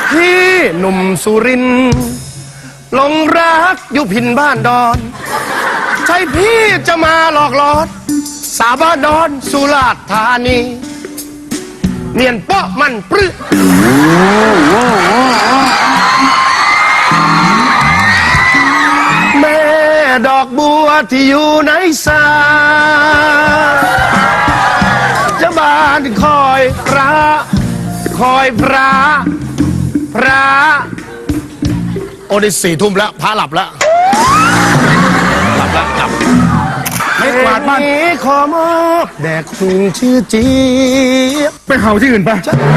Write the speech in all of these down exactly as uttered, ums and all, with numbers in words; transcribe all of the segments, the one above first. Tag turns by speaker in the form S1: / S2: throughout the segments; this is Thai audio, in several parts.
S1: พี่หนุ่มสุรินทร์หลงรักอยู่พินบ้านดอนใช่พี่จะมาหลอกหลอนสาบานดอนสุราษฎร์ธานีเนียนเปาะมันปรึแม่ดอกบัวที่อยู่ในสาจะบานคอยพระคอยพระพระโอ้ได้สี่ทุ่มแล้วพระหลับแล้วหลับแล้วหลับไม่กวาดบ้านขอมอบแด่คุณชื่อจี
S2: ไปเห่าที่อื่นไป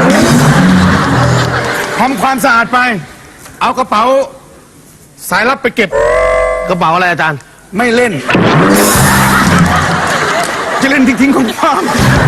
S2: ทำความสะอาดไปเอากระเป๋าสายลับไปเก็บ
S1: กระเป๋าอะไรอาจารย์
S2: ไม่เล่นจะเล่นทิ้งๆของความ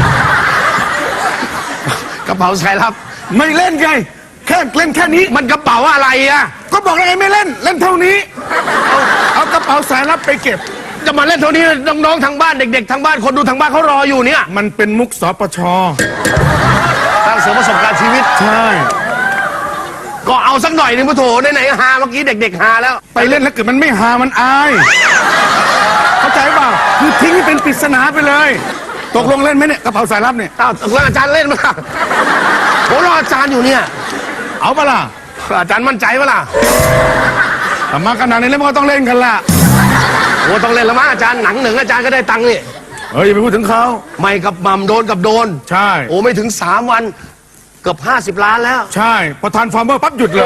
S1: กระเป๋าสายลับ
S2: ไม่เล่นไงแค่เล่นแค่นี้
S1: มันกระเป๋าอะไรอ่ะ
S2: ก็บอกแล้วไงไม่เล่นเล่นเท่านี้เอากระเป๋าสายลับไปเก็บ
S1: จะมาเล่นเท่านี้น้องๆทางบ้านเด็กๆทางบ้านคนดูทางบ้านเขารออยู่เนี่ย
S2: มันเป็นมุกสปช.
S1: สร้างเสริมประสบการณ์ชีวิต
S2: ใช่
S1: ก็เอาสักหน่อยนึงพุทโธไหนๆฮาเมื่อกี้เด็กๆฮาแล้ว
S2: ไปเล่นแล้วเกิดมันไม่ฮามันอายเข้าใจเปล่าคือทิ้งให้เป็นปริศนาไปเลยตกลงเล่นไหมเนี่ยกระเป๋าสายลับเนี่ย
S1: อ้าวตกลงอาจารย์เล่นมั้ยผมรออาจารย์อยู่เนี่ย
S2: เอาปะล่ะ
S1: อาจารย์มั่นใจปะล่ะ
S2: มาขนาดนี้แล้วมันก็ต้องเล่นกันล่ะ
S1: โอ้ต้องเล่นแล้วมั้งอาจารย์หนังหนึ่งอาจารย์ก็ได้ตังค์นี่
S2: เฮ้ยอย่าไปพูดถึงเขา
S1: ไม่กับมัมโดนกับโดน
S2: ใช่
S1: โอ้ไม่ถึงสามวันเกือบห้าสิบล้านแล้ว
S2: ใช่พอทานฟาร์มเมอร์ปั๊บหยุดเลย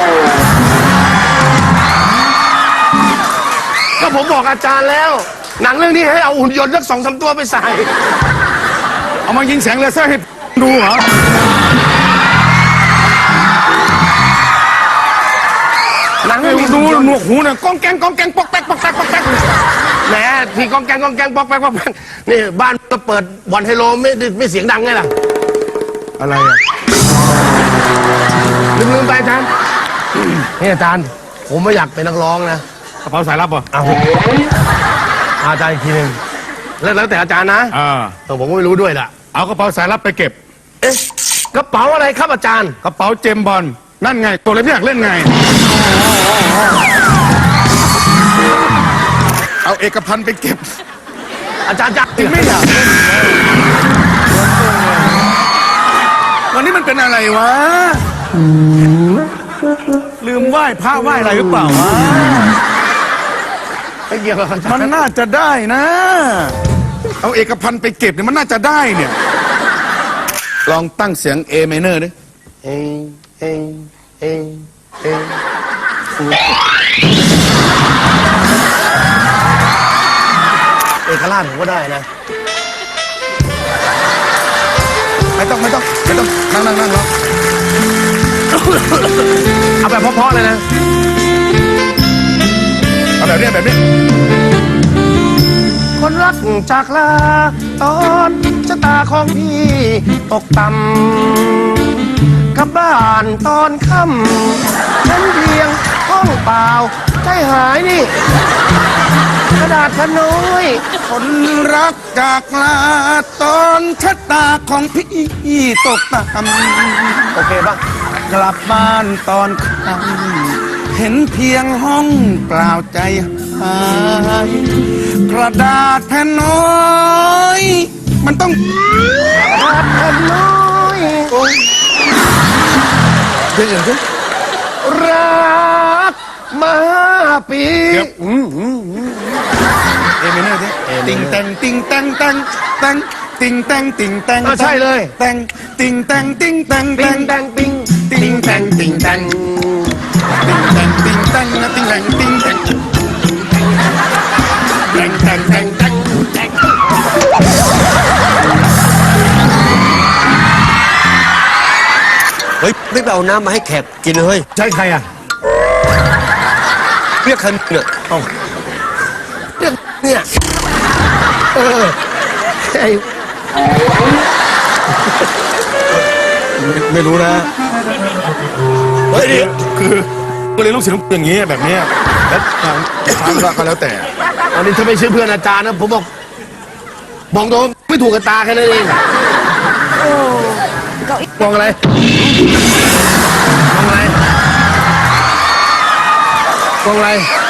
S1: ก็ผมบอกอาจารย์แล้วหนังเรื่องนี้ให้เอาหุ่นยนต์สักสองสามตัวไปใส่
S2: เอามายิงแสงเลเซอร์ให้ดูเหรอ
S1: หนัง
S2: ดูหนวกหูเนี่ยก้องแกงก้องแกงปอกแป๊กปอกแป๊กปอกแป๊ก
S1: แหมที่ก้องแกงก้องแกงปอกแป๊กปอกแป๊กนี่บ้านก็เปิดบอลไฮโลไม่ไม่เสียงดังไงล่ะ
S2: อะไรอ่ะ
S1: ลืมลืมไปอาจารย์นี่อาจารย์ผมไม่อยากเป็นนักร้องนะ
S2: กระเป๋าสายลับป่ะ
S1: เอาอาจารย์อีกทีหนึ่งแล้วแต่อาจารย์นะ
S2: อ่า
S1: แต่ผมก็ไม่รู้ด้วยล่ะ
S2: เอากระเป๋าสายลับไปเก็บ
S1: เอ๊ะกระเป๋าอะไรครับอาจารย์
S2: กระเป๋าเจมบอลนั่นไงตัวอะไรไม่อยากเล่นไงเอาเอกพันธ์ไปเก็บ
S1: อาจารย์จัก
S2: จริงไม่อยากวันนี้มันเป็นอะไรวะลืมไหว้พระไหว้อะไรหรือเปล่าวะ
S1: ไม่เกี่ยวกับ
S2: มันน่าจะได้นะเอาเอกพันธ์ไปเก็บเนี่ยมันน่าจะได้เนี่ยลองตั้งเสียง A minor ดิ
S1: เองเองเองเองเอกราชผมก็ได้นะ
S2: ไม่ต้องไม่ต้องไม่ต้องนั่งนั่งนั่งแล้ว
S1: เอาแบบเพราะๆเลยนะ
S2: เอาแบบนี้แบบนี้
S1: คนรักจากลาตอนชะตาของพี่ตกต่ำกลับบ้านตอนค่ำฉันเพียงห้องเปล่าใจหายนี่กระดาษขน้อย
S2: คนรักจากลาตอนชะตาของพี่ตกต่ำ
S1: โอเคป่ะ
S2: กลับบ้านตอนค่ำเห็นเพียงห้องเปล่าใจหายกระดาษแผ่นน้อยมันต้อง
S1: กระดาษแผ่นน้อย
S2: เดี๋ยวเดี๋ยว
S1: รักมาปี
S2: เอเมเนอร์สิติงแตงติงแตงแตงแตงติงแตงติงแตง
S1: ใช่เลย
S2: แตงติงแตงติงแตง
S1: ติงแตงติงติงแตงติงแตง
S2: ติงแตงติงแตงนะติงแตงติงแตง
S1: แตงแตงแตงแตงแตงเฮ้ยไม่ไปเอาน้ำมาให้แขกกินเลย
S2: ใช่ใครอ่ะ
S1: เรียกใครเนี่ยเรียกเนี่ยเออไอ้
S2: ไม่รู้นะเฮ้ยคือก็เลยลูกศิษย์อย่างนี้แบบนี้แล้วทางก็แล้วแต่
S1: วันนี้ถ้าไม่ใช่เพื่อนอาจารย์นะผมบอกมองโดนไม่ถูกกับตาแค่นั้นเองมองอะไรมองอะไรกองอะไร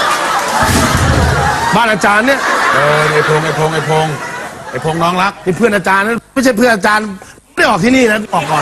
S1: บ้านอาจารย์เนี่ย
S2: เออไอ้พงไอ้พงไอ้พงไอ้พงน้องรัก
S1: นี่เพื่อนอาจารย์นะไม่ใช่เพื่อนอาจารย์ไม่ได้ออกที่นี่นะออกก่อน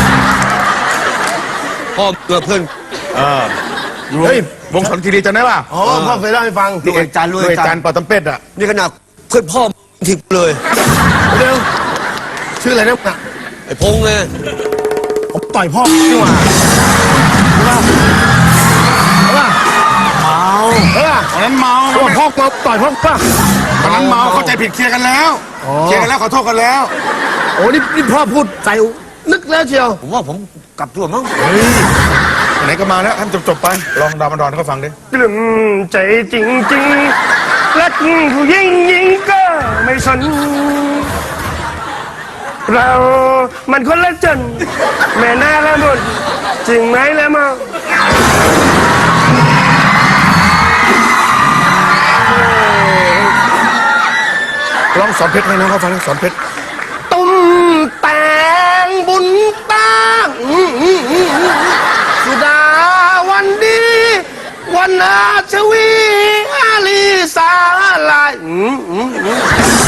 S3: พ่อเกิดเพื่อน
S2: เอออยู่เฮ้ยวงสนคีรีจำได้ป่ะ
S1: อ๋อพ่อเคยเล่าให้ฟัง
S3: ลูกอาจารย์ลูก
S2: ด้วย
S3: อาจา
S2: จาร น
S3: ย์
S2: ปอตำเป็ดอ่ะ
S3: นี่ขนาดเพื่อนพ่อทิพเลย
S1: เร็วชื่ออะไรเนี่ย
S3: ไอ้พงษ์ไง
S1: ผมต่อยพ่อนี่หว่าใช่ป่ะใช่ป่ะ
S2: เมา
S1: เออ
S2: ตอนนั้นเมา
S1: พ่อพ่อมาต่อยพ่อป่ะ
S2: ตอนนั้นเมาเข้าใจผิดเคลียร์กันแล้ว
S1: อ๋อ
S2: เคลียร์กันแล้วขอโทษกันแล้ว
S1: โอ้นี่นี่พ่อพูดใจนึกแล้วเชียว
S3: ผมว่าผมกลับตัวมั้ง
S2: เฮ้ยไหนก็มาแล้วให้มันจบๆไปลองดาวมันดอนให้เขาฟังดิ
S4: กลุ่มใจจริงๆรักผู้หญิงยิงก็ไม่สน เรามันคนละจน แม่น่าละบนจริงไหมละมอง
S2: ลองสอนเพชรให้น้องเขาฟังดิสอนเพชร
S1: ตุ้มแตงบุญตั้งสุดาวันดี วันนาชวีอาลีสาลายอืมอืมอืม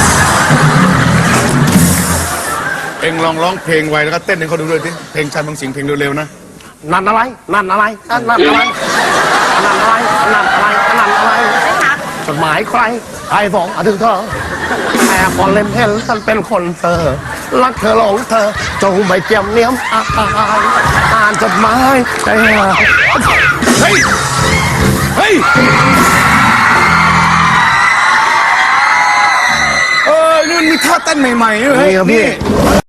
S2: เอ็งลองร้องเพลงไวแล้วก็เต้นให้เขาดูด้วยดิเพลงชันบางสิ่งเพลงเร็วๆนะ
S1: นั่นอะไร นั่นอะไร นั่นอะไร นั่นอะไร นั่นอะไร นั่นอะไรจดหมายใครใครส่งมาถึงเธอแอบพอเล่นเห็นฉันเป็นคนเธอ รักเธอหลงเธอ จงไม่เจียมเนียมอายอ่านจดหมายใจหาย
S2: เฮ้ย เฮ้ย เออนี่มีท่าเต้นใหม่ๆด้วยเฮ้ย
S1: นี่ครับพี่